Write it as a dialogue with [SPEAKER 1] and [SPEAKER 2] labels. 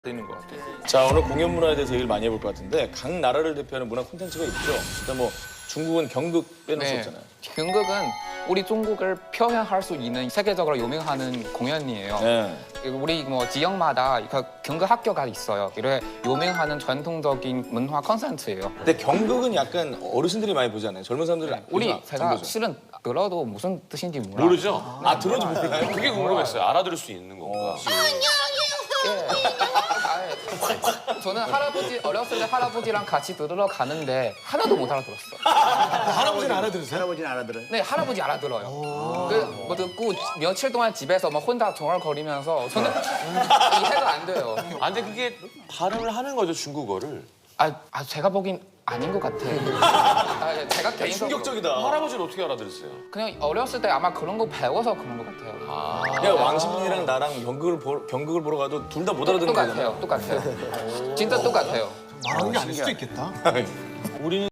[SPEAKER 1] 되는 것 같아요.
[SPEAKER 2] 자, 오늘 공연 문화에 대해서 얘기를 많이 해볼 것 같은데 각 나라를 대표하는 문화 콘텐츠가 있죠. 일단 뭐 중국은 경극 빼놓을 수 없잖아요.
[SPEAKER 3] 경극은 우리 중국을 표현할 수 있는 세계적으로 유명한 공연이에요.
[SPEAKER 2] 네.
[SPEAKER 3] 우리 뭐 지역마다 그 경극 학교가 있어요. 이래 유명한 전통적인 문화 콘서트예요.
[SPEAKER 2] 근데 경극은 약간 어르신들이 많이 보잖아요. 젊은 사람들이
[SPEAKER 3] 우리
[SPEAKER 2] 안
[SPEAKER 3] 제가
[SPEAKER 2] 보죠.
[SPEAKER 3] 실은 들어도 무슨 뜻인지 몰라요.
[SPEAKER 1] 모르죠?
[SPEAKER 2] 아, 들어도 몰라요?
[SPEAKER 1] 그게 궁금했어요. 알아들을 수 있는 건가?
[SPEAKER 3] 저는 할아버지 어렸을 때 할아버지랑 같이 들으러 가는데 하나도 못 알아들었어.
[SPEAKER 4] 할아버지는 알아들으세요?
[SPEAKER 5] 할아버지는 알아들어요?
[SPEAKER 3] 네, 할아버지 알아들어요. 뭐 듣고 며칠 동안 집에서 막 혼자 정얼거리면서 저는 이해가 안 돼요.
[SPEAKER 1] 아, 근데 그게 발음을 하는 거죠, 중국어를.
[SPEAKER 3] 제가 보긴 아닌 것 같아요. 제가 개인적으로
[SPEAKER 2] 충격적이다.
[SPEAKER 1] 할아버지는 어떻게 알아들었어요?
[SPEAKER 3] 그냥 어렸을 때 아마 그런 거 배워서 그런 것 같아요.
[SPEAKER 2] 그냥 왕신민이랑 나랑 경극을 보러 가도 둘 다 못 알아듣는 거잖아요.
[SPEAKER 3] 똑같아요. 진짜 똑같아요.
[SPEAKER 4] 말하는 게 아닐 수도 있겠다.
[SPEAKER 2] 우리는